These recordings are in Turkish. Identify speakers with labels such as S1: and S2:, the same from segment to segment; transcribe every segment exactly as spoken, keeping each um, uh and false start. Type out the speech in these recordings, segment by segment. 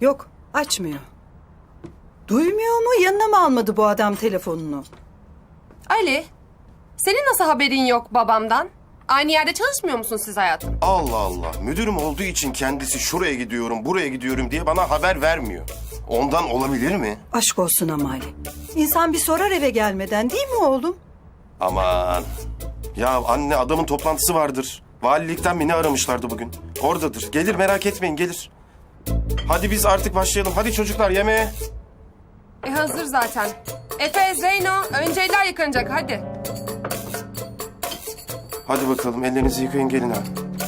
S1: Yok, açmıyor. Duymuyor mu? Yanına mı almadı bu adam telefonunu?
S2: Ali, senin nasıl haberin yok babamdan? Aynı yerde çalışmıyor musun siz hayatım?
S3: Allah Allah. Müdürüm olduğu için kendisi şuraya gidiyorum, buraya gidiyorum diye bana haber vermiyor. Ondan olabilir mi?
S1: Aşk olsun ama Ali. İnsan bir sorar eve gelmeden, değil mi oğlum?
S3: Aman. Ya anne, adamın toplantısı vardır. Valilikten beni aramışlardı bugün. Oradadır. Gelir, merak etmeyin, gelir. Hadi biz artık başlayalım. Hadi çocuklar, yemeğe.
S2: E hazır zaten. Efe, Zeyno, önce eller yıkanacak hadi.
S3: Hadi bakalım, ellerinizi yıkayın, gelin ha.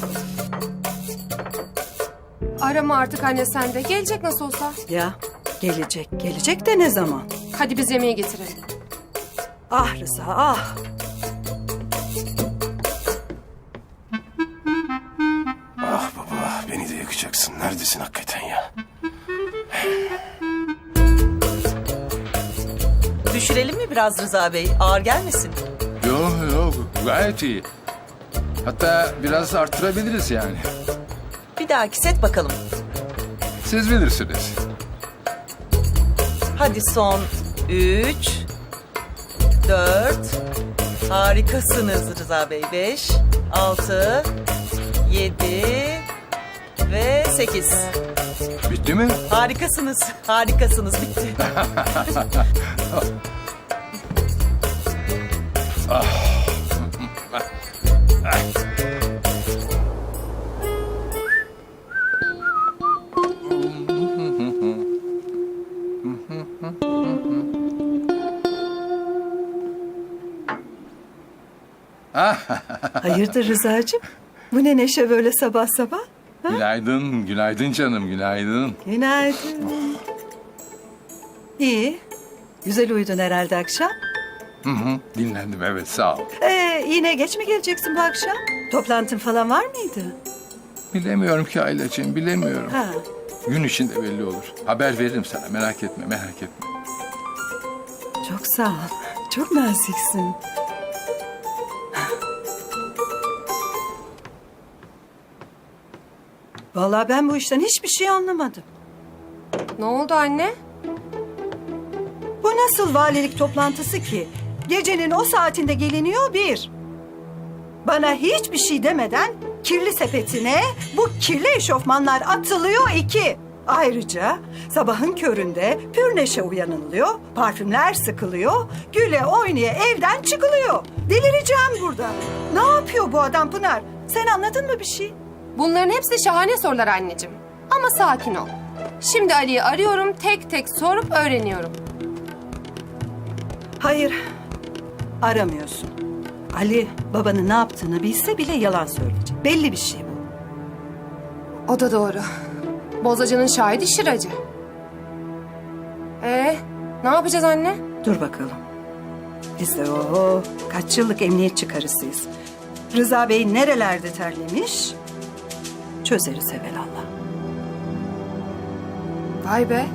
S2: Arama artık anne sen de. Gelecek nasıl olsa.
S1: Ya, gelecek. Gelecek de ne zaman?
S2: Hadi biz yemeği getirelim.
S1: Ah Rıza, ah.
S3: Ah baba, beni de yakacaksın. Neredesin hakikaten ya?
S4: Düşürelim mi biraz Rıza Bey? Ağır gelmesin.
S5: Yok yok gayet iyi. Hatta biraz arttırabiliriz yani.
S4: Bir dahaki set bakalım.
S5: Siz bilirsiniz.
S4: Hadi son üç, dört. Harikasınız Rıza Bey. Beş, altı, yedi ve sekiz.
S5: Bitti mi?
S4: Harikasınız. Harikasınız. Bitti.
S1: Hayırdır Rıza'cığım? Bu ne neşe böyle sabah sabah?
S5: Günaydın, günaydın canım, günaydın.
S1: Günaydın. İyi. Güzel uyudun herhalde akşam.
S5: Hı hı, dinlendim evet sağ ol.
S1: Ee, yine geç mi geleceksin bu akşam? Toplantın falan var mıydı?
S5: Bilemiyorum ki Aylacığım, bilemiyorum.
S1: Ha.
S5: Gün içinde belli olur. Haber veririm sana, merak etme, merak etme.
S1: Çok sağ ol. Çok naziksin. Vallahi ben bu işten hiçbir şey anlamadım.
S2: Ne oldu anne?
S1: Bu nasıl valilik toplantısı ki? Gecenin o saatinde geliniyor bir. Bana hiçbir şey demeden kirli sepetine bu kirli eşofmanlar atılıyor iki. Ayrıca sabahın köründe pür neşe uyanılıyor, parfümler sıkılıyor, güle oynaya evden çıkılıyor. Delireceğim burada. Ne yapıyor bu adam Pınar? Sen anladın mı bir şey?
S2: Bunların hepsi şahane sorular anneciğim. Ama sakin ol. Şimdi Ali'yi arıyorum, tek tek sorup öğreniyorum.
S1: Hayır, aramıyorsun. Ali babanın ne yaptığını bilse bile yalan söyleyecek. Belli bir şey bu.
S2: O da doğru. Bozacının şahidi Şıracı. Ee, ne yapacağız anne?
S1: Dur bakalım. Biz de o kaç yıllık emniyet çıkarısıyız. Rıza Bey nerelerde terlemiş? Çözeriz evelallah.
S2: Vay be.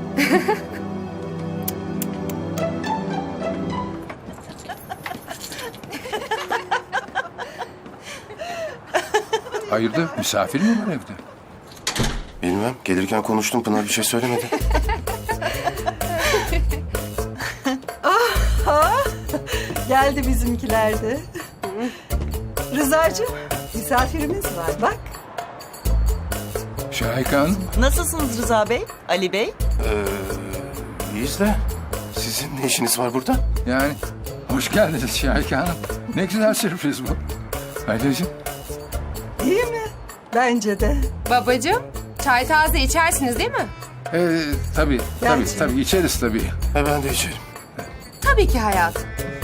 S5: Hayırdır, misafir mi var evde?
S3: Bilmem, gelirken konuştum, Pınar bir şey söylemedi.
S1: Geldi bizimkiler de. Rıza'cığım misafirimiz var bak.
S5: Şahika Hanım,
S4: Nasılsınız Rıza Bey? Ali Bey?
S3: Ee, iyiyiz de sizin ne işiniz var burada?
S5: yani hoş geldiniz Şahika Hanım. Ne güzel sürpriz bu. Aylacığım,
S1: Değil mi? Bence de.
S2: Babacığım, çay taze içersiniz değil mi?
S5: ee, tabii, tabii,
S1: Bence.
S5: tabii içeriz tabii.
S3: E ben de içerim.
S2: Tabii ki hayatım.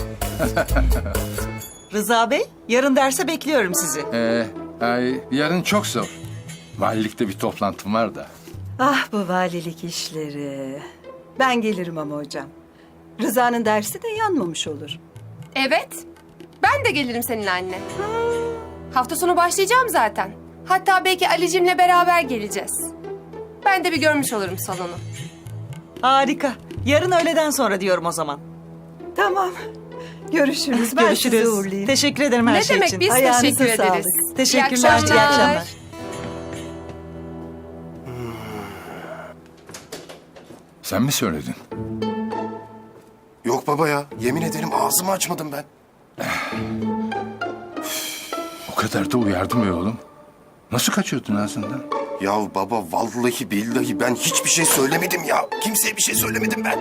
S4: Rıza Bey, yarın derse bekliyorum sizi.
S5: Ee, ay, yarın çok zor. Valilikte bir toplantım var da.
S1: Ah bu valilik işleri. Ben gelirim ama hocam. Rıza'nın dersi de yanmamış olur.
S2: Evet. Ben de gelirim seninle anne. Hafta sonu başlayacağım zaten. Hatta belki Ali'cimle beraber geleceğiz. Ben de bir görmüş olurum salonu.
S4: Harika. Yarın öğleden sonra diyorum o zaman.
S1: Tamam. Görüşürüz. Ben sizi
S4: Görüşürüz.
S1: uğurlayayım.
S4: Teşekkür ederim her
S2: Ne
S4: şey
S2: demek
S4: için.
S2: biz
S1: Ayağınıza
S2: teşekkür ederiz.
S1: sağlık.
S4: Teşekkürler.
S2: İyi
S4: İyi akşamlar.
S5: Sen mi söyledin?
S3: Yok baba ya. Yemin ederim ağzımı açmadım ben.
S5: O kadar da uyardım be oğlum. Nasıl kaçıyordun ağzından?
S3: Ya baba vallahi billahi ben hiçbir şey söylemedim ya. Kimseye bir şey söylemedim ben.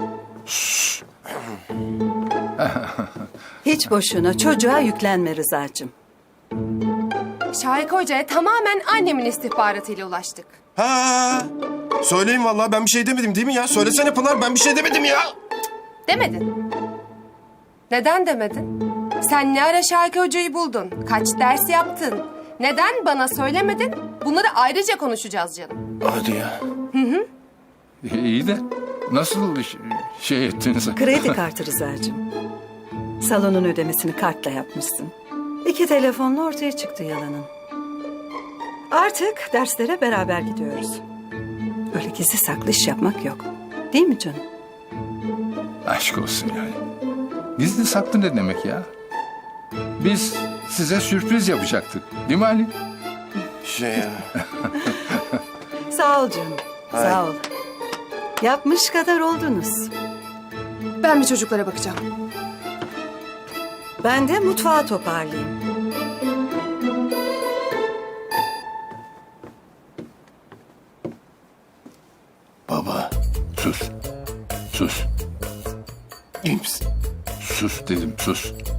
S1: Hiç boşuna çocuğa yüklenme Rıza'cığım.
S2: Şahika Hoca'ya tamamen annemin istihbaratıyla ulaştık.
S3: Ha. Söyleyin vallahi ben bir şey demedim değil mi ya? Söylesene Pınar ben bir şey demedim ya.
S2: Demedin. Neden demedin? Sen ne ara Şahika Hoca'yı buldun? Kaç ders yaptın? Neden bana söylemedin? Bunları ayrıca konuşacağız canım.
S3: Hadi ya.
S5: İyi de nasıl ş- şey ettiniz?
S1: Kredi kartı Rıza'cığım. Salonun ödemesini kartla yapmışsın. İki telefonla ortaya çıktı yalanın. Artık derslere beraber gidiyoruz. Öyle gizli saklı iş yapmak yok. Değil mi canım?
S5: Aşk olsun yani. Gizli saklı ne demek ya? Biz size sürpriz yapacaktık. Değil mi Ali?
S3: Şey ya.
S1: Sağ ol canım. Sağ ol. Yapmış kadar oldunuz.
S2: Ben bir çocuklara bakacağım.
S1: Ben de mutfağı toparlayayım.
S3: Baba.
S5: Sus. Sus.
S3: İyi misin?
S5: Sus dedim sus.